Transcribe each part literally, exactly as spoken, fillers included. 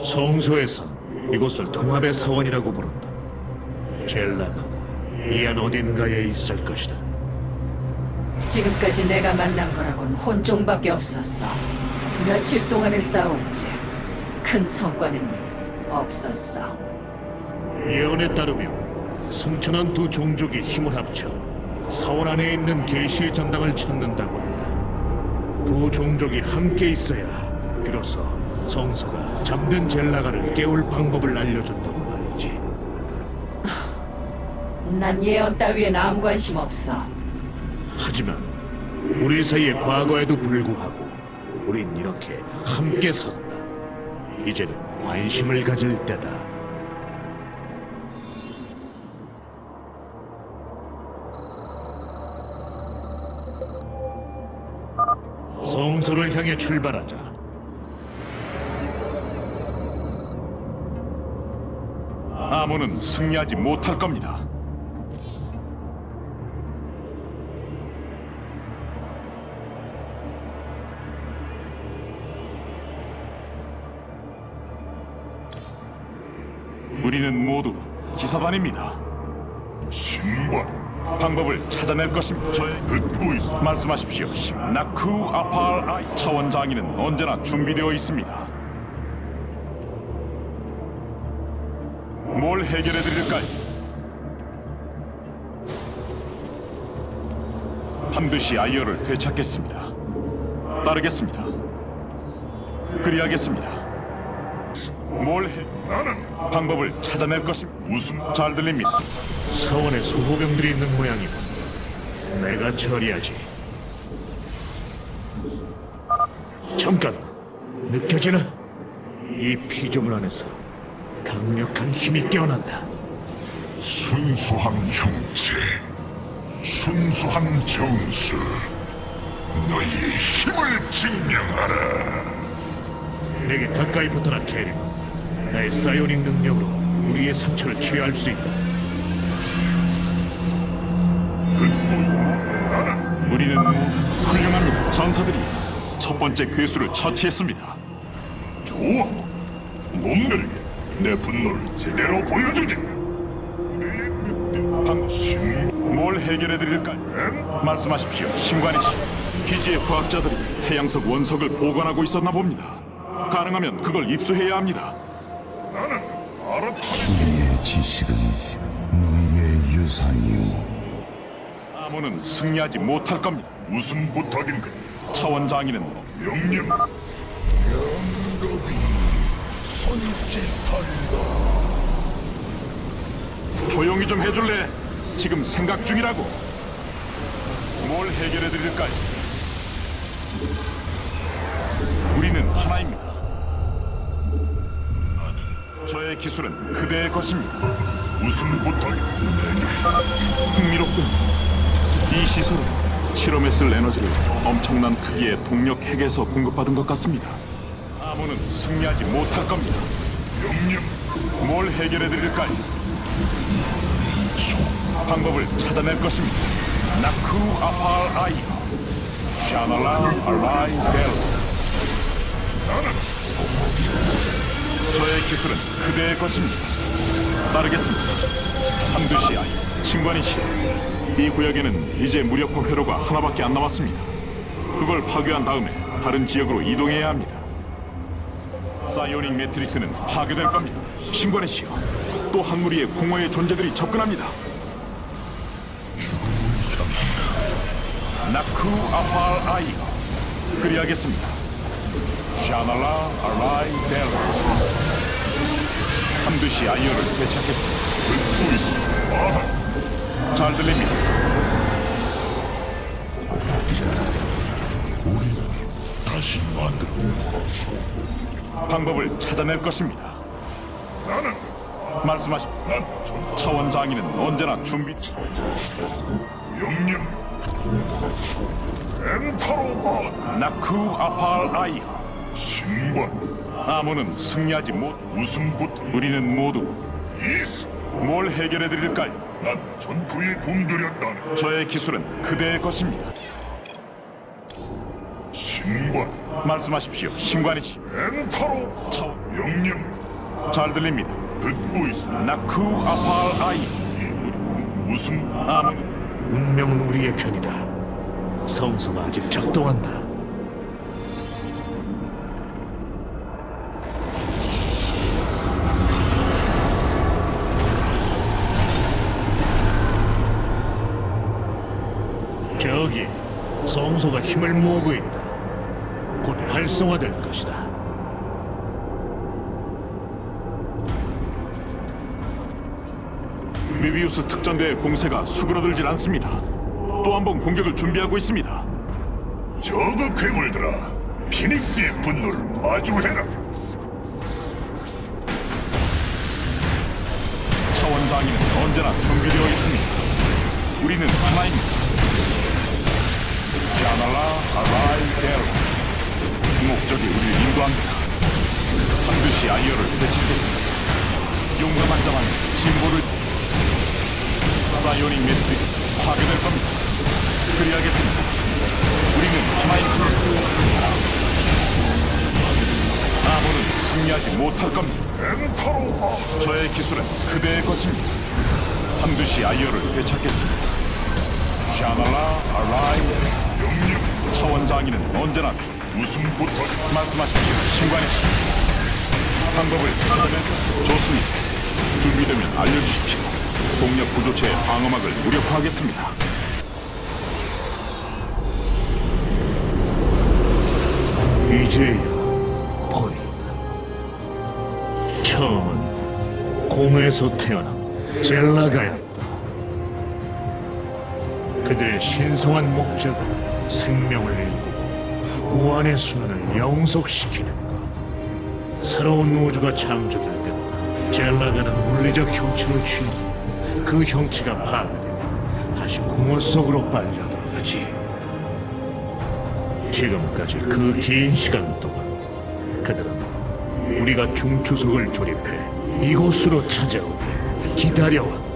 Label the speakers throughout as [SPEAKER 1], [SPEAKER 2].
[SPEAKER 1] 성소에선 이곳을 통합의 사원이라고 부른다. 젤라가가 이 안 어딘가에 있을 것이다.
[SPEAKER 2] 지금까지 내가 만난 거라곤 혼종밖에 없었어. 며칠 동안을 싸웠지. 큰 성과는 없었어.
[SPEAKER 1] 예언에 따르면 승천한 두 종족이 힘을 합쳐 사원 안에 있는 계시의 전당을 찾는다고 한다. 두 종족이 함께 있어야 비로소 성서가 잠든 젤라가를 깨울 방법을 알려준다고 말이지.
[SPEAKER 2] 난 예언 따위엔 아무 관심 없어.
[SPEAKER 1] 하지만 우리 사이의 과거에도 불구하고 우린 이렇게 함께 섰다. 이제는 관심을 가질 때다. 성소를 향해 출발하자.
[SPEAKER 3] 아몬은 승리하지 못할 겁니다. 우리는 모두 기사단입니다.
[SPEAKER 4] 신관
[SPEAKER 3] 방법을 찾아낼 것입니다. 저의
[SPEAKER 4] 듣고 있어.
[SPEAKER 3] 말씀하십시오. 나쿠 아팔 아이 차원 장인은 언제나 준비되어 있습니다. 뭘 해결해 드릴까요? 반드시 아이어를 되찾겠습니다. 따르겠습니다. 그리하겠습니다. 뭘 해?
[SPEAKER 4] 나는
[SPEAKER 3] 방법을 찾아낼 것입니다.
[SPEAKER 4] 무슨
[SPEAKER 3] 잘 들립니다.
[SPEAKER 1] 사원에 소호병들이 있는 모양이군. 내가 처리하지. 잠깐! 느껴지나? 이 피조물 안에서 강력한 힘이 깨어난다.
[SPEAKER 4] 순수한 형체, 순수한 정수. 너희의 힘을 증명하라.
[SPEAKER 1] 내게 가까이 붙어라, 캐리. 나의 사이오닉 능력으로 우리의 상처를 치유할 수 있다.
[SPEAKER 4] 나는
[SPEAKER 3] 우리는 훌륭합니다. 전사들이 첫 번째 괴수를 처치했습니다.
[SPEAKER 4] 좋아. 놈들에게 내 분노를 제대로 보여주지.
[SPEAKER 3] 방...
[SPEAKER 4] 신
[SPEAKER 3] 뭘 해결해 드릴까요? 말씀하십시오. 신관이시. 기지의 과학자들이 태양석 원석을 보관하고 있었나 봅니다. 가능하면 그걸 입수해야 합니다.
[SPEAKER 4] 나는 알았다.
[SPEAKER 5] 우리의 지식은 너희의 유산이요.
[SPEAKER 3] 아몬은 승리하지 못할 겁니다.
[SPEAKER 4] 무슨 부탁인가?
[SPEAKER 3] 차원 장인은
[SPEAKER 4] 명령. 영겁이 손짓한다.
[SPEAKER 3] 조용히 좀 해줄래? 지금 생각 중이라고. 뭘 해결해 드릴까요? 우리는 하나입니다. 저의 기술은 그대의 것입니다.
[SPEAKER 4] 무슨 부탁인가?
[SPEAKER 3] 흥미롭군. 이 시설은 실험에 쓸 에너지를 엄청난 크기의 동력 핵에서 공급받은 것 같습니다. 아몬은 승리하지 못할 겁니다.
[SPEAKER 4] 명령.
[SPEAKER 3] 뭘 해결해 드릴까요? 방법을 찾아낼 것입니다. 나쿠 아팔 아이 샤날라 알라이 벨. 저의 기술은 그대의 것입니다. 따르겠습니다. 반드시 아이. 신관이시. 이 구역에는 이제 무력화 회로가 하나밖에 안 남았습니다. 그걸 파괴한 다음에 다른 지역으로 이동해야 합니다. 사이오닉 매트릭스는 파괴될 겁니다. 신관이시여. 또 한 무리의 공허의 존재들이 접근합니다. 나쿠 아팔 아이. 그리하겠습니다. 샤날라 알라이 델. 반드시 아이어를 되찾겠습니다.
[SPEAKER 4] 듣고 있어. 아,
[SPEAKER 3] 잘 들립니다.
[SPEAKER 4] 다시 만들어.
[SPEAKER 3] 방법을 찾아낼 것입니다.
[SPEAKER 4] 나는
[SPEAKER 3] 말씀하십시오.
[SPEAKER 4] 난 전.
[SPEAKER 3] 차원 장인은 언제나 준비.
[SPEAKER 4] 명령. 엔타로바.
[SPEAKER 3] 나쿠 아팔 아이.
[SPEAKER 4] 신관.
[SPEAKER 3] 아몬은 승리하지 못.
[SPEAKER 4] 무슨 부탁?
[SPEAKER 3] 우리는 모두
[SPEAKER 4] 이스.
[SPEAKER 3] 뭘 해결해 드릴까요?
[SPEAKER 4] 난 전투에 굶주렸다네.
[SPEAKER 3] 저의 기술은 그대의 것입니다.
[SPEAKER 4] 신 신관
[SPEAKER 3] 말씀하십시오. 신관이시.
[SPEAKER 4] 엔타로
[SPEAKER 3] 차원.
[SPEAKER 4] 명령
[SPEAKER 3] 잘 들립니다.
[SPEAKER 4] 듣고 있어.
[SPEAKER 3] 나쿠 아팔 아이.
[SPEAKER 4] 무슨
[SPEAKER 3] 아무.
[SPEAKER 1] 운명은 우리의 편이다. 성소가 아직 작동한다. 저기 성소가 힘을 모으고 있다. 곧 활성화될 것이다.
[SPEAKER 3] 메비우스 특전대의 공세가 수그러들질 않습니다. 또 한 번 공격을 준비하고 있습니다.
[SPEAKER 4] 저그 괴물들아, 피닉스의 분노를 마주해라.
[SPEAKER 3] 차원 장인은 언제나 준비되어 있습니다. 우리는 하나입니다. 샤날라 아라이 데르. 목적이 우리를 인도합니다. 반드시 아이어를 되찾겠습니다. 용감한 자만 진보를. 사이오닉 매트릭스 파괴될 겁니다. 그리하겠습니다. 우리는 하나입니다. 아몬은 승리하지 못할 겁니다.
[SPEAKER 4] 엔타로
[SPEAKER 3] 저의 기술은 그대의 것입니다. 반드시 아이어를 되찾겠습니다. 샤날라 아라이.
[SPEAKER 4] 명령
[SPEAKER 3] 차원 장인은 언제나
[SPEAKER 4] 무슨 부탁?
[SPEAKER 3] 말씀하십시오. 신관의 씨. 방법을 찾으면 좋습니다. 준비되면 알려주십시오. 동력 구조체의 방어막을 무력화하겠습니다.
[SPEAKER 1] 이제야 보인다. 처음은 공에서 태어난 젤라가였다. 그들의 신성한 목적은 생명을 일구고 무한의 수면을 영속시키는 것. 새로운 우주가 창조될 때마다 젤라가는 물리적 형체를 취하고 그 형체가 파괴되면 다시 공허 속으로 빨려 들어가지. 지금까지 그 긴 시간 동안 그들은 우리가 중추석을 조립해 이곳으로 찾아오길 기다려왔다.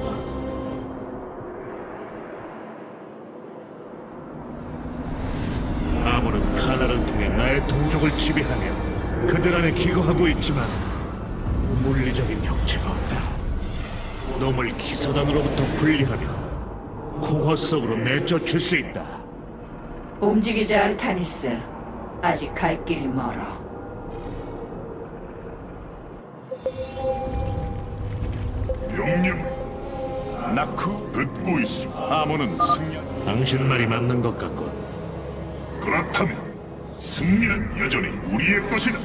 [SPEAKER 1] 아무는 카나를 통해 나의 동족을 지배하며 그들 안에 기거하고 있지만 물리적인 형체가 없다. 놈을 기사단으로부터 분리하며 공허 속으로 내쫓을 수 있다.
[SPEAKER 2] 움직이자, 아르타니스. 아직 갈 길이 멀어.
[SPEAKER 4] 명령
[SPEAKER 3] 나쿠.
[SPEAKER 4] 듣고 있어.
[SPEAKER 3] 아몬은 승리.
[SPEAKER 1] 당신 말이 맞는 것 같군.
[SPEAKER 4] 그렇다면 승리는 여전히 우리의 것이다.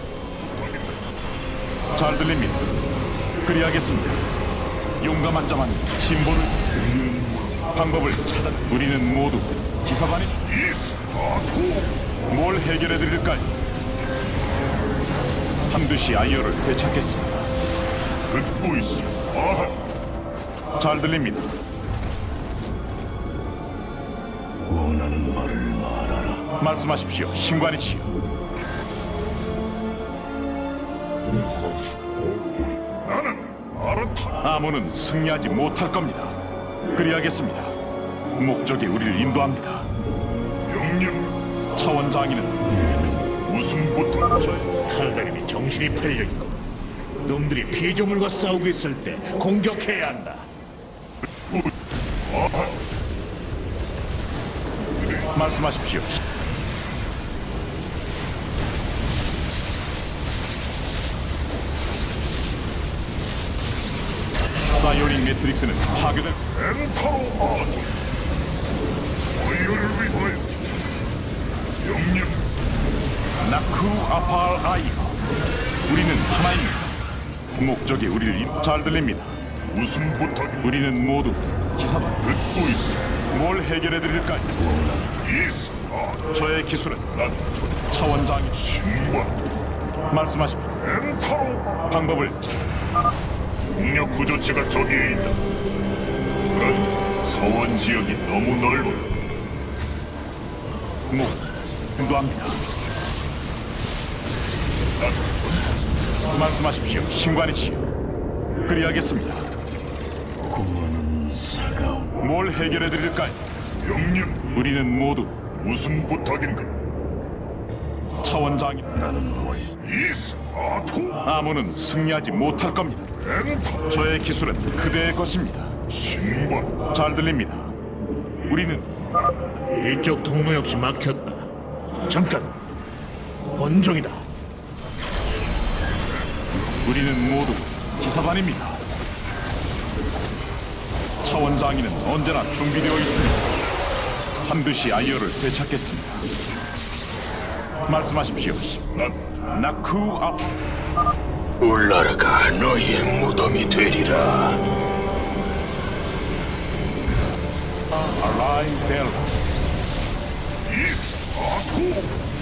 [SPEAKER 3] 잘 들립니다. 그리하겠습니다. 용감한 자만 신보를. 방법을 찾아. 우리는 모두 기사반이.
[SPEAKER 4] 이스타토
[SPEAKER 3] 뭘 해결해 드릴까요? 반드시 아이어를 되찾겠습니다.
[SPEAKER 4] 듣고 있어. 아하,
[SPEAKER 3] 잘 들립니다.
[SPEAKER 5] 원하는 말을 말하라.
[SPEAKER 3] 말씀하십시오. 신관이시여.
[SPEAKER 4] 나는 아르타.
[SPEAKER 3] 아몬은 승리하지 못할 겁니다. 그리하겠습니다. 목적이 우리를 인도합니다.
[SPEAKER 4] 명령
[SPEAKER 3] 차원 장인은
[SPEAKER 4] 무슨 부탁?
[SPEAKER 1] 탈다림이 정신이 팔려있고 놈들이 피조물과 싸우고 있을 때 공격해야 한다.
[SPEAKER 4] 아하,
[SPEAKER 3] 말씀하십시오. 사이오닉 매트릭스는 파괴될.
[SPEAKER 4] 엔타로 아토. 어이를 위하여. 명령
[SPEAKER 3] 나쿠 아팔 아이가. 우리는 하나입니다. 목적이 우리를 인... 잘 들립니다.
[SPEAKER 4] 무슨 부탁?
[SPEAKER 3] 우리는 모두 기사단.
[SPEAKER 4] 듣고 있어.
[SPEAKER 3] 뭘 해결해 드릴까요?
[SPEAKER 4] 이스타토.
[SPEAKER 3] 저의 기술은
[SPEAKER 4] 난 저-
[SPEAKER 3] 차원 장인.
[SPEAKER 4] 신관
[SPEAKER 3] 말씀하십시오.
[SPEAKER 4] 엔타로.
[SPEAKER 3] 방법을
[SPEAKER 4] 공력 구조체가 저기에 있다. 그런 사원 지역이 너무 넓어.
[SPEAKER 3] 목 인도합니다.
[SPEAKER 4] 난 전-
[SPEAKER 3] 말씀하십시오. 신관이시여. 그리하겠습니다.
[SPEAKER 5] 공허는 차가운
[SPEAKER 3] 뭘 해결해 드릴까요?
[SPEAKER 4] 명령
[SPEAKER 3] 우리는 모두
[SPEAKER 4] 무슨 부탁인가?
[SPEAKER 3] 차원장이
[SPEAKER 5] 나는 뭘
[SPEAKER 4] 이스아토
[SPEAKER 3] 아몬은 승리하지 못할 겁니다.
[SPEAKER 4] 엔터
[SPEAKER 3] 저의 기술은 그대의 것입니다.
[SPEAKER 4] 신관
[SPEAKER 3] 잘 들립니다. 우리는
[SPEAKER 1] 이쪽 통로 역시 막혔다. 잠깐. 본종이다.
[SPEAKER 3] 우리는 모두 기사단입니다. 차원장이는 언제나 준비되어 있습니다. 반드시 아이어를 되찾겠습니다. 말씀하십시오.
[SPEAKER 4] 난
[SPEAKER 3] 나쿠 앞
[SPEAKER 5] 울라라가 너희의 무덤이 되리라.
[SPEAKER 3] 알라이 델라.
[SPEAKER 4] 이스아토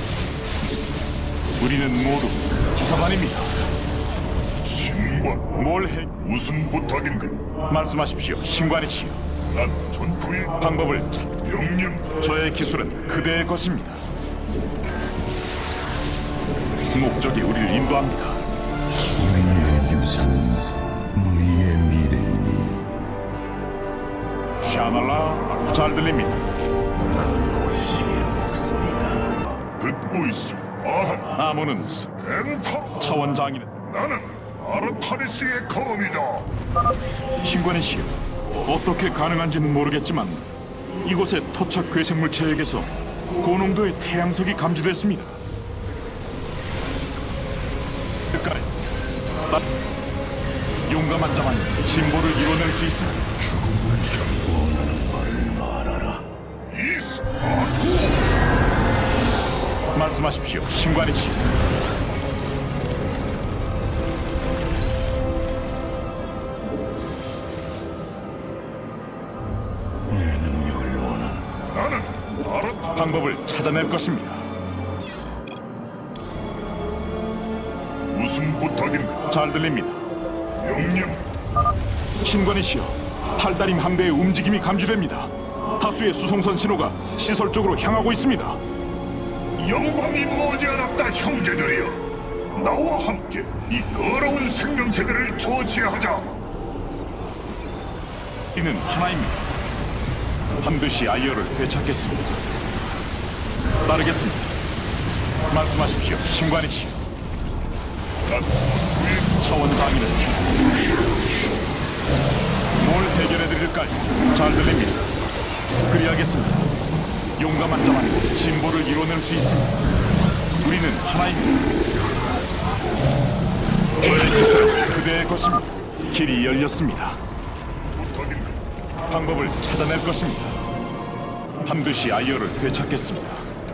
[SPEAKER 3] 우리는 모두 기사단입니다.
[SPEAKER 4] 신관
[SPEAKER 3] 뭘 해?
[SPEAKER 4] 무슨 부탁인가?
[SPEAKER 3] 말씀하십시오. 신관이시여.
[SPEAKER 4] 난 전투의
[SPEAKER 3] 방법을 찾.
[SPEAKER 4] 명령
[SPEAKER 3] 저의 기술은 그대의 것입니다. 목적이 우리를 인도합니다.
[SPEAKER 5] 우리의 유산은 너희의 미래이니
[SPEAKER 3] 샤날라 잘 들립니다.
[SPEAKER 5] 원식의 목소리다.
[SPEAKER 4] 듣고 있어. 아한
[SPEAKER 3] 아몬은
[SPEAKER 4] 엔터
[SPEAKER 3] 차원장이는
[SPEAKER 4] 나는 아르타니스의 검이다.
[SPEAKER 3] 신관이시여. 어떻게 가능한지는 모르겠지만 이곳의 토착 괴생물 체액에서 고농도의 태양석이 감지됐습니다. 끝까지 나- 용감한 자만 진보를 이뤄낼 수 있습니다.
[SPEAKER 5] 원하는 말을 말하라.
[SPEAKER 4] 이스아토
[SPEAKER 3] 말씀하십시오. 신관이시여.
[SPEAKER 5] 내 능력을 원하는
[SPEAKER 4] 나는 아르타
[SPEAKER 3] 방법을 찾아낼 것입니다.
[SPEAKER 4] 무슨 부탁인가?
[SPEAKER 3] 잘 들립니다.
[SPEAKER 4] 명령
[SPEAKER 3] 신관이시여. 팔다림 함대의 움직임이 감지됩니다. 다수의 수송선 신호가 시설 쪽으로 향하고 있습니다.
[SPEAKER 4] 영광이 머지않았다 형제들이여. 나와 함께 이 더러운 생명체들을 조치하자.
[SPEAKER 3] 이는 하나입니다. 반드시 아이어를 되찾겠습니다. 따르겠습니다. 말씀하십시오. 신관이시여.
[SPEAKER 4] 난 전투의
[SPEAKER 3] 차원장이는 뭘 해결해드릴까요? 잘 들립니다. 그리하겠습니다. 용감한 자만 진보를 이뤄낼 수 있습니다. 우리는 하나입니다. 저의 기술은 그대의 것입니다. 길이 열렸습니다.
[SPEAKER 4] 부탁인가?
[SPEAKER 3] 방법을 찾아낼 것입니다. 반드시 아이어를 되찾겠습니다.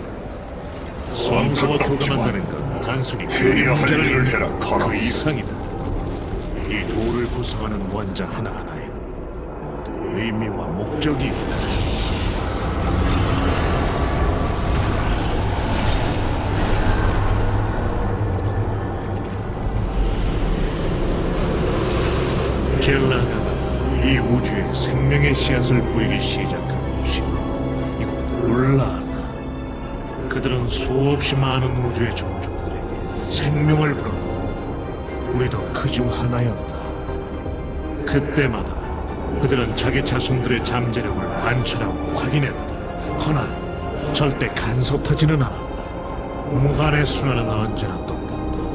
[SPEAKER 1] 성소와 도가 만드는 건 단순히
[SPEAKER 4] 해야
[SPEAKER 1] 교리
[SPEAKER 4] 할
[SPEAKER 1] 문제를
[SPEAKER 4] 일을
[SPEAKER 1] 일으켜
[SPEAKER 4] 해라,
[SPEAKER 1] 그
[SPEAKER 4] 카라스.
[SPEAKER 1] 이상이다. 이 돌을 구성하는 원자 하나하나에는 모두 의미와 목적이 있다. 젤라가 이 우주에 생명의 씨앗을 뿌리기 시작한 곳이 이곳 울라하다. 그들은 수없이 많은 우주의 종족들에게 생명을 불었고 우리도 그 중 하나였다. 그때마다 그들은 자기 자손들의 잠재력을 관찰하고 확인했다. 허나 절대 간섭하지는 않았다. 무한의 순환은 언제나 똑같다.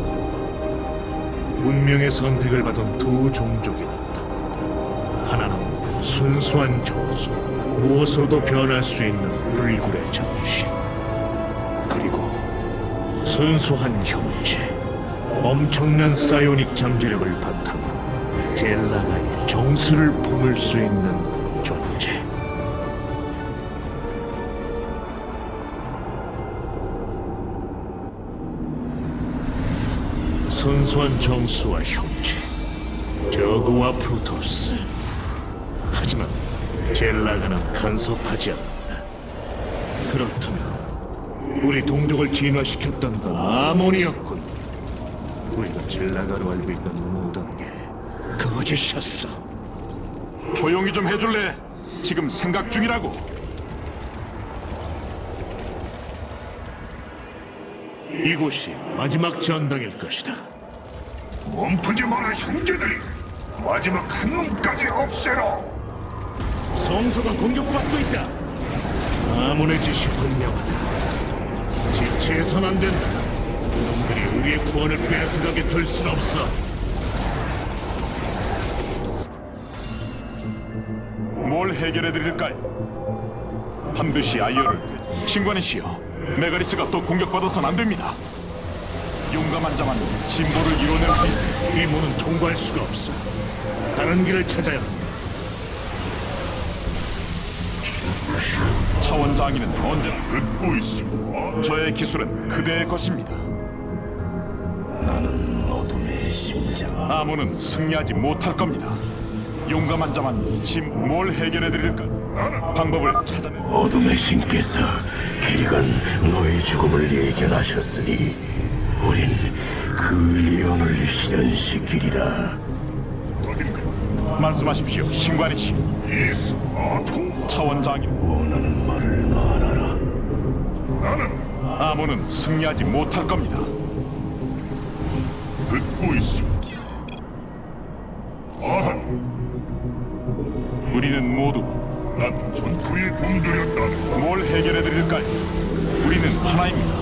[SPEAKER 1] 운명의 선택을 받은 두 종족이 나타난다. 하나는 순수한 정수, 무엇으로도 변할 수 있는 불굴의 정신. 그리고 순수한 형체, 엄청난 사이오닉 잠재력을 바탕으로 젤라가의 정수를 품을 수 있는 존재. 순수한 정수와 형체, 저그와 프로토스. 하지만 젤라가는 간섭하지 않는다. 그렇다면 우리 동족을 진화시켰던 건 아몬이었군. 우리가 젤라가로 알고 있는 모든 게 거짓이었어.
[SPEAKER 3] 조용히 좀 해줄래? 지금 생각 중이라고.
[SPEAKER 1] 이곳이 마지막 전당일 것이다.
[SPEAKER 4] 멈추지 마라 형제들이. 마지막 한 놈까지 없애라.
[SPEAKER 1] 성소가 공격받고 있다. 아몬의 짓이 분명하다. 지체해선 안 된다. 우리의 구원을 빼앗아가게 둘 순 없어.
[SPEAKER 3] 뭘 해결해 드릴까요? 반드시 아이어를 되찾- 신관이시여, 메가리스가 또 공격받아선 안 됩니다. 용감한 자만 진보를 이뤄낼 수 있습니다.
[SPEAKER 1] 이 문은 통과할 수가 없어. 다른 길을 찾아야 한다.
[SPEAKER 3] 차원장이는 언제나
[SPEAKER 4] 듣고 있어.
[SPEAKER 3] 저의 기술은 그대의 것입니다.
[SPEAKER 5] 나는 어둠의 심장.
[SPEAKER 3] 아무는 승리하지 못할 겁니다. 용감한 자만 짐 뭘 해결해 드릴까요? 방법을 찾아내.
[SPEAKER 5] 어둠의 신께서 캐리건 너의 죽음을 예견하셨으니 우린 그 예언을 실현시키리라.
[SPEAKER 3] 말씀하십시오, 신관이시.
[SPEAKER 4] 이스 아토.
[SPEAKER 3] 차원장인
[SPEAKER 5] 원하는 말을 말하라.
[SPEAKER 4] 나는
[SPEAKER 3] 아무는 승리하지 못할 겁니다.
[SPEAKER 4] 듣고 있어. 아한.
[SPEAKER 3] 우리는 모두
[SPEAKER 4] 난 전투에 굶주렸다.
[SPEAKER 3] 뭘 해결해 드릴까요? 우리는 하나입니다.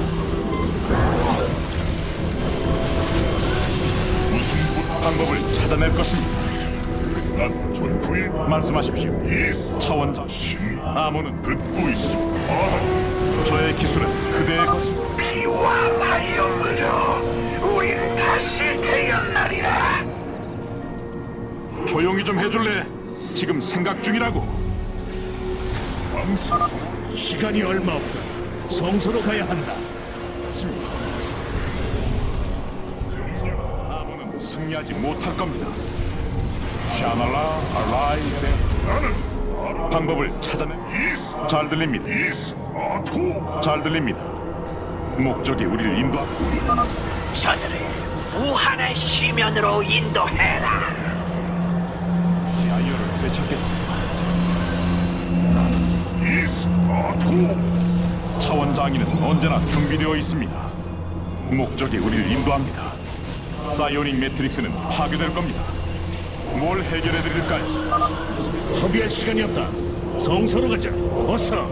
[SPEAKER 4] 무슨 부...
[SPEAKER 3] 방법을 찾아낼 것입니다.
[SPEAKER 4] 난 전투에
[SPEAKER 3] 말씀하십시오,
[SPEAKER 4] 이스
[SPEAKER 3] 차원장. 아무는
[SPEAKER 4] 듣고 있어. 아한.
[SPEAKER 3] 저의 기술은 그대의 것입니다.
[SPEAKER 6] 피와 라이언으로 우린 다시 태어나리라.
[SPEAKER 3] 조용히 좀 해줄래? 지금 생각 중이라고.
[SPEAKER 4] 왕사.
[SPEAKER 1] 시간이 얼마 없다. 성소로 가야 한다.
[SPEAKER 3] 아무는 승리하지 못할 겁니다. 샤날라 알라이데.
[SPEAKER 4] 나는
[SPEAKER 3] 방법을 찾아내.
[SPEAKER 4] 이스
[SPEAKER 3] 잘 들립니다.
[SPEAKER 4] 이스 아토.
[SPEAKER 3] 잘 들립니다. 목적이 우리를 인도하.
[SPEAKER 6] 저들을 무한의 시면으로 인도해라.
[SPEAKER 3] 아이어를 되찾겠습니다.
[SPEAKER 4] 이스 아토.
[SPEAKER 3] 차원장인은 언제나 준비되어 있습니다. 목적이 우리를 인도합니다. 사이오닉 매트릭스는 파괴될 겁니다. 뭘 해결해 드릴까요?
[SPEAKER 1] 허비할 시간이 없다. 성소로 가자. 어서.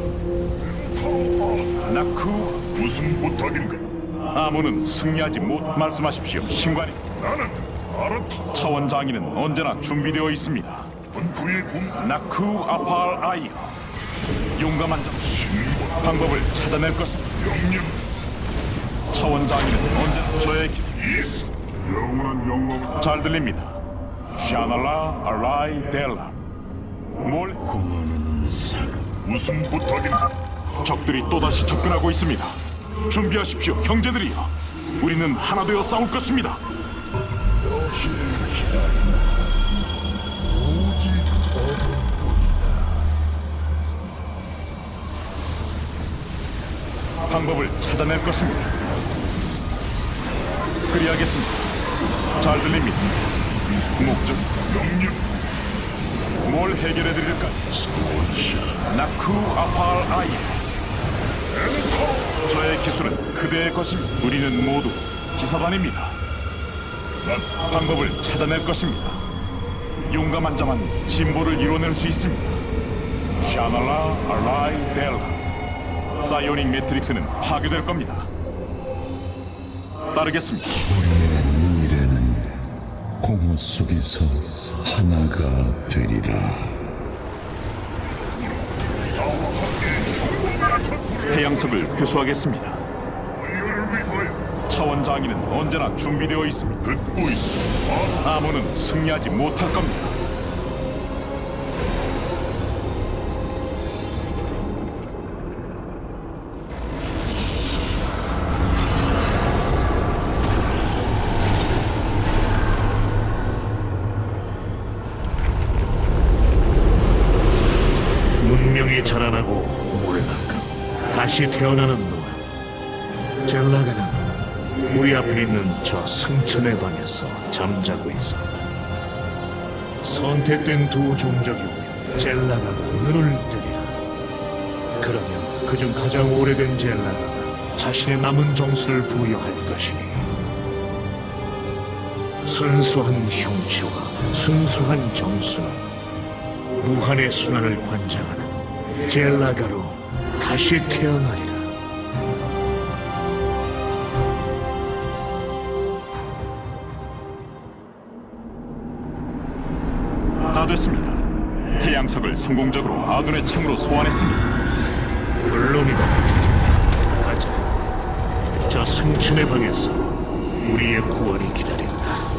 [SPEAKER 3] 나쿠.
[SPEAKER 4] 무슨 부탁인가?
[SPEAKER 3] 아무는 승리하지 못. 말씀하십시오, 신관이.
[SPEAKER 4] 나는 알았다.
[SPEAKER 3] 차원장인은 언제나 준비되어 있습니다.
[SPEAKER 4] 전투에 굶.
[SPEAKER 3] 나쿠 아팔 아이어. 용감한 자.
[SPEAKER 4] 신고.
[SPEAKER 3] 방법을 찾아낼 것입니다.
[SPEAKER 4] 명령.
[SPEAKER 3] 차원장인은 언제나 저의 기...
[SPEAKER 4] 이스 영원한 영광.
[SPEAKER 3] 잘 들립니다. 샤날라 알라이 델라. 뭘?
[SPEAKER 5] 공허는 자금.
[SPEAKER 4] 무슨 부탁인가?
[SPEAKER 3] 적들이 또다시 접근하고 있습니다. 준비하십시오, 형제들이여. 우리는 하나 되어 싸울 것입니다. 방법을 찾아낼 것입니다. 그리하겠습니다. 잘 들립니다. 목적
[SPEAKER 4] 명령.
[SPEAKER 3] 뭘 해결해 드릴까요? 나쿠 아팔 아이. 저의 기술은 그대의 것입니다. 우리는 모두 기사단입니다.
[SPEAKER 4] 난
[SPEAKER 3] 방법을 찾아낼 것입니다. 용감한 자만 진보를 이뤄낼 수 있습니다. 샤날라 알라이 델라. 사이오닉 매트릭스는 파괴될 겁니다. 따르겠습니다.
[SPEAKER 5] 우리의 미래는 공허 속에서 하나가 되리라.
[SPEAKER 3] 해양석을 회수하겠습니다.
[SPEAKER 4] 이를 위하여
[SPEAKER 3] 차원장인은 언제나 준비되어 있습니다.
[SPEAKER 4] 듣고 있어. 아,
[SPEAKER 3] 아무는 승리하지 못할 겁니다.
[SPEAKER 1] 문명이 자라나고 몰락하고 다시 태어나는 동안 젤라가는 우리 앞에 있는 저 승천의 방에서 잠자고 있었다. 선택된 두 종족이 오면 젤라가가 눈을 뜨리라. 그러면 그중 가장 오래된 젤라가가 자신의 남은 정수를 부여할 것이니 순수한 형체와 순수한 정수는 무한의 순환을 관장하는 젤라가로 다시 태어나리라.
[SPEAKER 3] 진화됐습니다. 태양석을 성공적으로 아둔의 창으로 소환했습니다.
[SPEAKER 1] 물론이다. 가자. 저 승천의 방에서 우리의 구원이 기다린다.